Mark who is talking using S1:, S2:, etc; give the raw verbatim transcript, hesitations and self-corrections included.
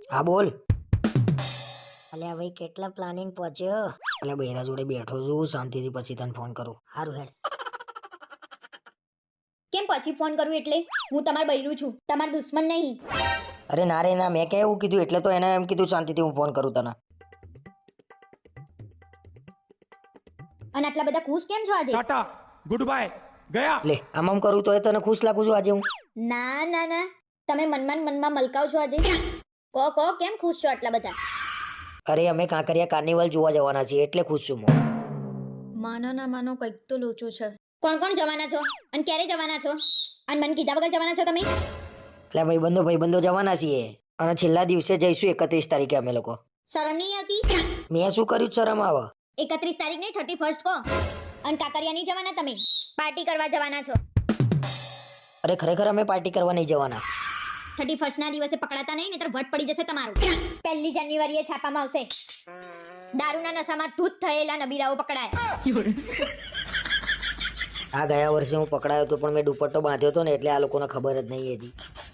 S1: હા બોલ. અલ્યા ભાઈ કેટલા પ્લાનિંગ પહોંચ્યો. અલ્યા બૈરા જોડે બેઠો છું શાંતિથી, પછી તને ફોન કરું. હારું હેડ.
S2: કેમ પછી ફોન કરું એટલે? હું તમાર બૈરું છું, તમાર દુશ્મન નહીં.
S1: અરે ના રે ના, મેં ક્યાં એવું કીધું, એટલે તો એને એમ કીધું શાંતિથી હું ફોન કરું તને.
S2: અને આટલા બધા ખુશ કેમ છો આજે?
S3: टाटा गुड बाय गया
S1: લે આમ આમ કરું તો એ તને ખુશ લાગુ છું આજે હું?
S2: ના ના ના, તમે મનમાં ને મનમાં મલકાવ છો આજે. કો કો કેમ ખુશ છો આટલા બધા?
S1: અરે અમે કાંકરિયા કાર્નિવલ જોવા જવાના છીએ એટલે ખુશ છું હું.
S2: માનો ના માનો કંઈક તો લોચો છે. કોણ કોણ જવાના છો અને ક્યારે જવાના છો? અને મને કીધા વગર જવાના છો તમે?
S1: એટલે ભાઈબંધો ભાઈબંધો જવાના છીએ અને છેલ્લા દિવસે જઈશું એકત્રીસ તારીખે અમે લોકો.
S2: શરમ નહીં આવતી?
S1: મેં શું કર્યું છે શરમ આવે?
S2: એકત્રીસ તારીખ નહીં, થર્ટી ફર્સ્ટ કો. અને કાકરિયા નહીં જવાના તમે? પાર્ટી કરવા જવાના છો?
S1: અરે ખરેખર અમે પાર્ટી કરવા નહીં જવાના.
S2: થર્ટી ફર્સ્ટ ના દિવસે પકડાતા નહીં, નહીતર વટ પડી જશે તમારું. પહેલી જાન્યુઆરીએ છાપામાં આવશે, દારૂના નશામાં ધૂત થયેલા નબીરાઓ પકડાયા.
S1: આ ગયા વર્ષે હું પકડાયો હતો પણ મેં દુપટ્ટો બાંધ્યો હતો ને એટલે આ લોકોને ખબર જ નહીં હજી.